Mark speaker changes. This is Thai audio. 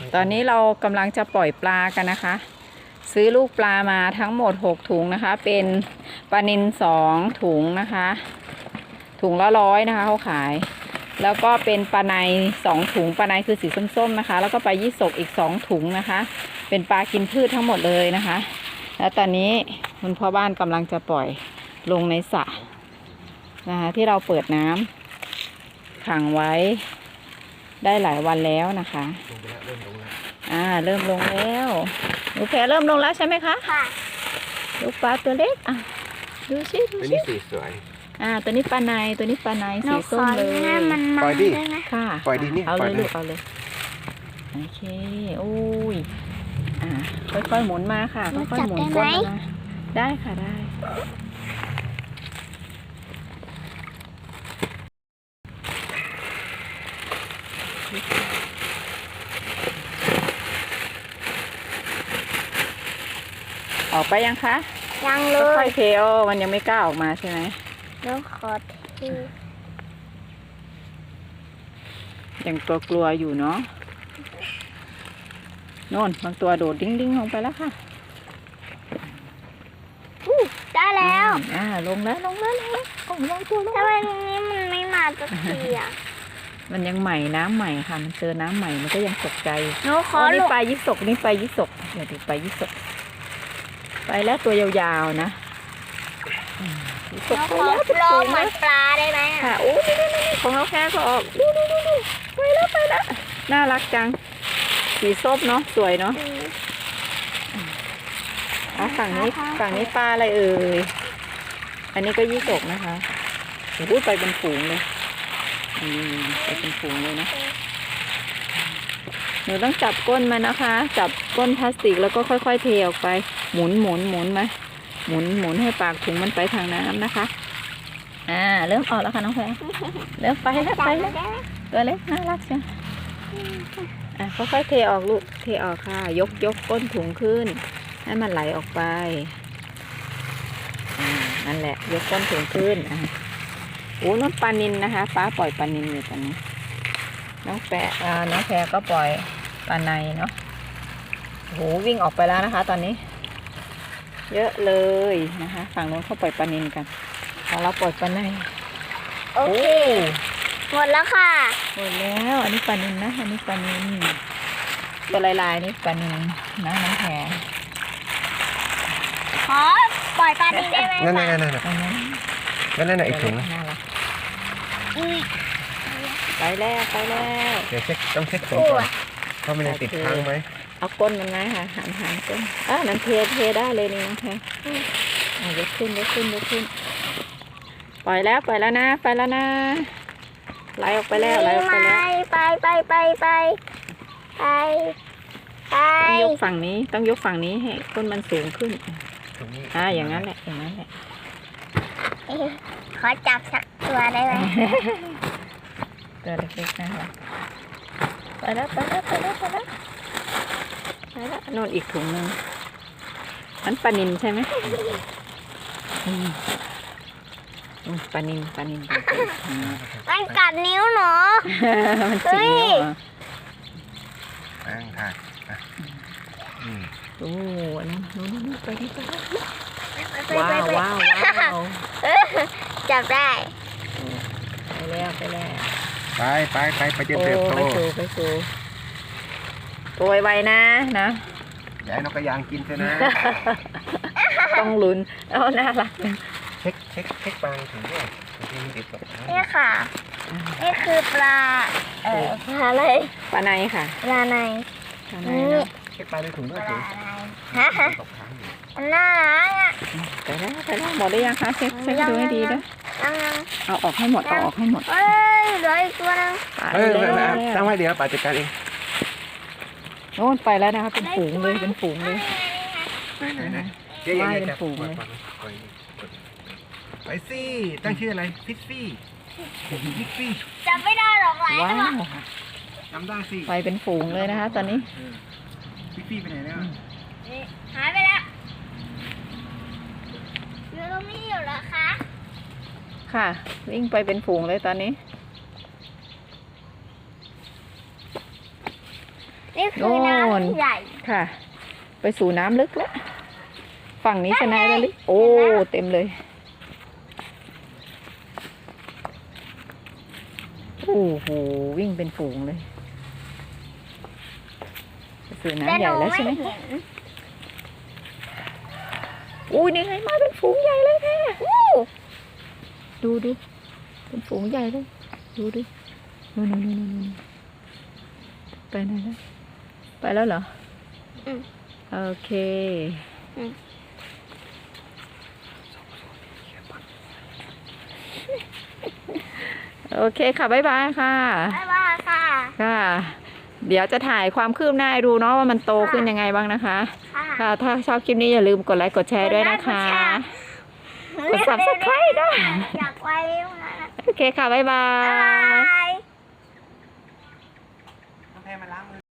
Speaker 1: ตอนนี้เรากำลังจะปล่อยปลากันนะคะ ซื้อลูกปลามาทั้งหมด6ถุงนะคะเป็นปลานิล2ถุงนะคะถุงละ100นะคะเขาขายแล้วก็เป็นปลาใน2ถุงปลาในคือสีส้มๆนะคะแล้วก็ปลายี่สกอีก2ถุงนะคะเป็นปลากินพืชทั้งหมดเลยนะคะแล้วตอนนี้คุณพ่อบ้านกำลังจะปล่อยลงในสระนะคะที่เราเปิดน้ำขังไว้ได้หลายวันแล้วนะคะเริ่มลงแล้วหนูแพรเริ่มลงแล้วใช่ไหมคะค่ะลูกปลาตัวเล็กดูสิตัวนี้สีสวยตัวนี้ปลาในตัวนี้ปลาในสีส้มเลย
Speaker 2: ปล่อยดิ
Speaker 1: ค่ะ
Speaker 2: ปล่อยดินี่
Speaker 1: เอาเลยลูกเอาเลยโอเคโอ้ยค่อยๆหมุนมาค่ะค่อยๆหมุนก้นมาได้ค่ะได้ออกไปยังคะ
Speaker 2: ยังเลย
Speaker 1: ค่อยๆเทมันยังไม่กล้าออกมาใช่ไหม
Speaker 2: แล้วขอที
Speaker 1: ยังกลัวอยู่เนาะโน่นบางตัวโดดดิ้งลงไปแล้วค่ะ
Speaker 2: ได้แล้ว
Speaker 1: ลงแล้วลงตัวลง
Speaker 2: ทำไมตรงนี้มันไม่มาสักที
Speaker 1: มันยังใหม่น้ำใหม่ค่ะมันเจอน้ำใหม่มันก็ยังตกใจ
Speaker 2: นี่
Speaker 1: ปลายี่สกนี่ปลายี่สกเดี๋ยวดูปลายี่สกไปแล้วตัวยาวๆนะ
Speaker 2: ตกไปแล้วลงเหมือนปลาได้ไหม
Speaker 1: ค่ะโอ้นี่ของเราแค่ก็ออกดูไปแล้วน่ารักจังสีส้มเนาะสวยเนาะฝั่งนี้ปลาอะไรเอ่ยอันนี้ก็ยี่สกนะคะพูดไปเป็นฝูงเลยไปเป็นฝูงเลยนะหนูต้องจับก้นมันนะคะจับก้นพลาสติกแล้วก็ค่อยๆเทออกไปหมุนไหมหมุนให้ปากถุงมันไปทางน้ำนะคะเริ่มออกแล้วค่ะน้องแพรเริ่มไปแล้วตัวเล็กน่ารักจังค่อยๆเทออกลูกเทออกค่ะยกก้นถุงขึ้นให้มันไหลออกไปนั่นแหละยกก้นถุงขึ้นน้องปลานิลนะคะป้าปล่อยปลานิลอยู่ตอนนี้น้องแพรก็ปล่อยปลาในเนาะวิ่งออกไปแล้วนะคะตอนนี้เยอะเลยนะคะฝั่งโน้นเขาปล่อยปลานิลกันของเราปล่อยปลาใน
Speaker 2: โอเคหมดแล้วค่ะ
Speaker 1: หมดแล้วอันนี้ปลานิลนะอันนี้ปลานิลตัวลายนี่ปลานิลนะน้องแพร
Speaker 2: ขอปล่อยปลานิลได้ไหม
Speaker 1: นั่น
Speaker 2: อี
Speaker 1: กถุงไปแล้ว
Speaker 2: เดี๋ยว
Speaker 1: ต้องเช็คถุงก่อน
Speaker 2: ว่า
Speaker 1: มันยังติดค้างไหมเอาก้นมันไงค่ะหันก้นนั่นเทได้เลยนี่น้องแพรยกขึ้นปล่อยแล้วนะไหลออกไปแล้ว
Speaker 2: ไป
Speaker 1: ยกฝั่งนี้ต้องยกฝั่งนี้ให้ก้นมันสูงขึ้นอย่างนั้นแหละ
Speaker 2: ขอจับสักตัวได้ไหม
Speaker 1: ตัวเล็กๆนะคะไปแล้วโน่นอีกถุงนึงมันปลานิลใช่ไหมปลานิล
Speaker 2: มันกัดนิ้วหนู
Speaker 1: มันจิ๋ว
Speaker 2: ค่ะ
Speaker 1: นู่นไปว้าว
Speaker 2: จับได้
Speaker 1: ไปแล้ว
Speaker 2: ไป
Speaker 1: เจอเติบโตไปสู่ตัวไวๆนะ
Speaker 2: อย่าให้นกกระยางกินใช่ไหม
Speaker 1: ต้องลุ้นน่ารัก
Speaker 2: เช็คปลาถึงด้วยนี่ค่ะนี่คือปลาอะไร
Speaker 1: ปลาในค่ะ
Speaker 2: ปลาใน
Speaker 1: เช็คปลาในถุงด้วย
Speaker 2: น่ารัก
Speaker 1: ไปแล้วหมดได้ยังคะเช็คดูให้ดีด้วยเอาออกให้หมดเหลือ
Speaker 2: อีกตัวนึง
Speaker 1: ตั้งไว้
Speaker 2: เดี๋ยวป่าจัดการเอง
Speaker 1: โน่นไปแล้วนะคะเป็นฝูงเลยว่ายเป็นฝูงเลย
Speaker 2: ไปสิตั้งชื่ออะไรฟิฟฟี่จำไม่ได้หรอก
Speaker 1: ว้าว
Speaker 2: จำได้สิ
Speaker 1: ไปเป็นฝูงเลยนะคะตอนนี้
Speaker 2: ฟิฟฟี่ไปไหนแล้วหายไปแล้วอยู่ตรงนี้อยู่เหรอคะ
Speaker 1: ค่ะวิ่งไปเป็นฝูงเลยตอนนี้
Speaker 2: นี่คือน้ำใหญ่
Speaker 1: ค่ะ ไปสู่น้ำลึกแล้ว ฝั่งนี้ชนะแล้วลึกโอ้ เต็มเลย โอ้โห วิ่งเป็นฝูงเลยไปสู่น้ำใหญ่แล้วใช่ไหม
Speaker 2: เห็น
Speaker 1: อุ้ยนี่ไงมาเป็นฝูงใหญ่เลยค่ะดูเป็นฝูงใหญ่เลย ดูดินู่นไปไหนแล้วไปแล้วเหรอ โอเค โอเคค่ะ บ๊ายบายค่ะ
Speaker 2: บ๊ายบายค่ะ
Speaker 1: ค่ะ เดี๋ยวจะถ่ายความคืบหน้าให้ดูเนาะว่ามันโตขึ้นยังไงบ้างนะคะ ค่ะ ถ้าชอบคลิปนี้อย่าลืมกดไลค์กดแชร์ด้วยนะคะ กด subscribe ด้วย
Speaker 2: อยากไว้นะ
Speaker 1: โอเคค่ะ บ๊ายบา
Speaker 2: บ๊าย
Speaker 1: ย
Speaker 2: บาย